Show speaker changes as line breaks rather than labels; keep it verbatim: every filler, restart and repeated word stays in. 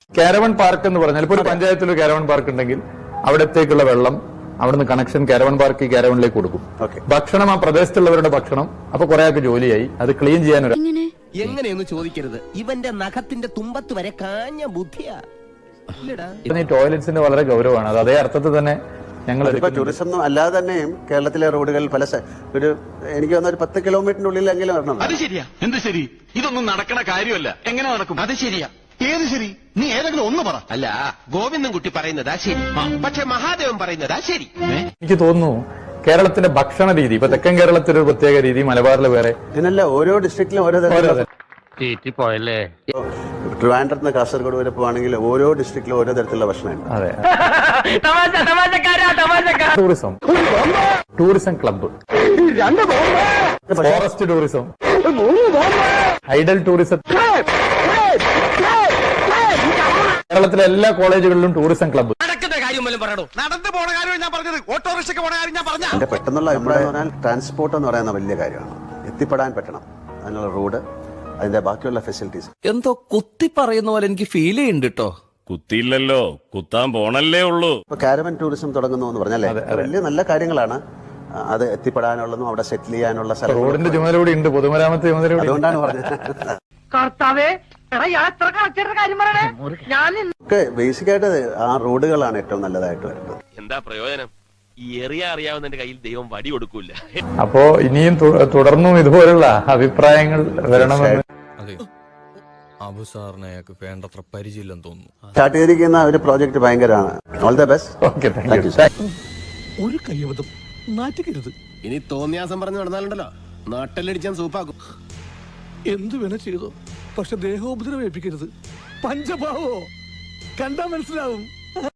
Caravan park എന്ന് പറഞ്ഞാൽ ഇപ്പോൾ ഒരു പഞ്ചായത്തിൽ ഒരു കാരവൺ പാർക്ക് ഉണ്ടെങ്കിൽ അവിടത്തേക്കുള്ള വെള്ളം അവിടുന്ന് കണക്ഷൻ കാരവൺ പാർക്ക് കാരവണിലേക്ക് കൊടുക്കും. ഭക്ഷണം ആ പ്രദേശത്തുള്ളവരുടെ ഭക്ഷണം. അപ്പൊ കുറെ ആൾക്ക് ജോലിയായി. അത് ക്ലീൻ ചെയ്യാൻ ഒരു
എങ്ങനെയൊന്നും ചോദിക്കരുത്. ഇവന്റെ നഖത്തിന്റെ തുമ്പത്ത് വരെ കാഞ്ഞ ബുദ്ധിയാ.
ഈ ടോയ്ലറ്റ്സിന്റെ വളരെ ഗൗരവമാണ്. അത് അതേ അർത്ഥത്തിൽ തന്നെ ഞങ്ങൾ
ടൂറിസം അല്ലാതെ തന്നെയും കേരളത്തിലെ റോഡുകൾ പല ഒരു എനിക്ക് തോന്നുന്ന ഒരു പത്ത് കിലോമീറ്ററിനുള്ളിലെങ്കിലും വരണം.
അത് ശരിയാ. എന്ത് ശരി? ഇതൊന്നും നടക്കണ കാര്യമല്ല. എങ്ങനെ നടക്കും? അത് ശരിയാ. ഏത് ശരി? നീ ഏതെങ്കിലും ഒന്ന് പറ.
അല്ല, ഗോവിന്ദൻ കുട്ടി പറയുന്നതാ ശരി, പക്ഷെ മഹാദേവൻ പറയുന്നതാ ശരി.
എനിക്ക് തോന്നുന്നു കേരളത്തിന്റെ ഭക്ഷണ രീതി ഇപ്പൊ തെക്കൻ കേരളത്തിൽ ഒരു പ്രത്യേക രീതി, മലബാറിൽ വേറെ.
ഇതിനല്ല ഓരോ ഡിസ്ട്രിക്റ്റിലും ഓരോ തരത്തിലുള്ള. ട്രിവാൻഡ്രത്ത് നിന്ന് കാസർഗോഡ് വരെ പോവാണെങ്കിൽ ഓരോ ഡിസ്ട്രിക്റ്റിലും ഓരോ തരത്തിലുള്ള ഭക്ഷണമുണ്ട്.
അതെ. Tourism, tourism club, forest tourism, ideal tourism. കേരളത്തിലെ എല്ലാ കോളേജുകളിലും ടൂറിസം ക്ലബ്ബ്.
നടന്നു പോണ കാര്യം ഞാൻ പറഞ്ഞത്, ഓട്ടോറിക്ഷയ്ക്ക് പോണ കാര്യം ഞാൻ പറഞ്ഞ.
എന്റെ പെട്ടെന്നുള്ള അഭിപ്രായം എന്ന് പറഞ്ഞാൽ ട്രാൻസ്പോർട്ട് എന്ന് പറയുന്ന വലിയ കാര്യമാണ്. എത്തിപ്പെടാൻ പറ്റണം, അതിനുള്ള റോഡ്, അതിന്റെ ബാക്കിയുള്ള ഫെസിലിറ്റീസ്.
എന്തോ കുത്തി പറയുന്ന പോലെ എനിക്ക് ഫീൽ ചെയ്യുന്നുണ്ട് കേട്ടോ.
കുത്തിയില്ലല്ലോ, കുത്താൻ പോണല്ലേ ഉള്ളൂ.
ഇപ്പൊ കാരവൻ ടൂറിസം തുടങ്ങുന്നു എന്ന് പറഞ്ഞാലേ വലിയ നല്ല കാര്യങ്ങളാണ്. അത് എത്തിപ്പെടാനുള്ളതും അവിടെ സെറ്റിൽ ചെയ്യാനുള്ള
റോഡിന്റെ ചുമതല കൂടി ഉണ്ട്, പൊതുമരാമത്ത് ചുമതല കൂടി.
അതുകൊണ്ടാണ് പറഞ്ഞത്. ബേസിക്കായിട്ട് ആ റോഡുകളാണ് ഏറ്റവും നല്ലതായിട്ട് വരുന്നത്.
എന്താ പ്രയോജനം? ഈ എറിയ അറിയാവുന്നതിന്റെ കയ്യിൽ ദൈവം വടി കൊടുക്കൂല.
അപ്പോ ഇനിയും തുടർന്നും ഇതുപോലുള്ള അഭിപ്രായങ്ങൾ വരണമെന്ന്.
അബു സാറിന് അയാൾക്ക് വേണ്ടത്ര പരിചയമില്ലെന്ന് തോന്നുന്നു.
സ്റ്റാർട്ട് ചെയ്തിരിക്കുന്ന ഒരു പ്രോജക്ട് ഭയങ്കരമാണ്. All the best.
Okay, thank you.
ഒരു കയ്യബദ്ധം നാറ്റിക്കരുത്.
ഇനി തോന്നിയാസം പറഞ്ഞു നടന്നാലുണ്ടല്ലോ നാട്ടിലടിച്ചാൻ സൂപ്പാക്കും.
എന്തു വേണ ചെയ്തോ, പക്ഷെ ദേഹോപദ്രവേൽപ്പിക്കരുത്. പഞ്ചഭാവോ കണ്ടാ മനസ്സിലാവും.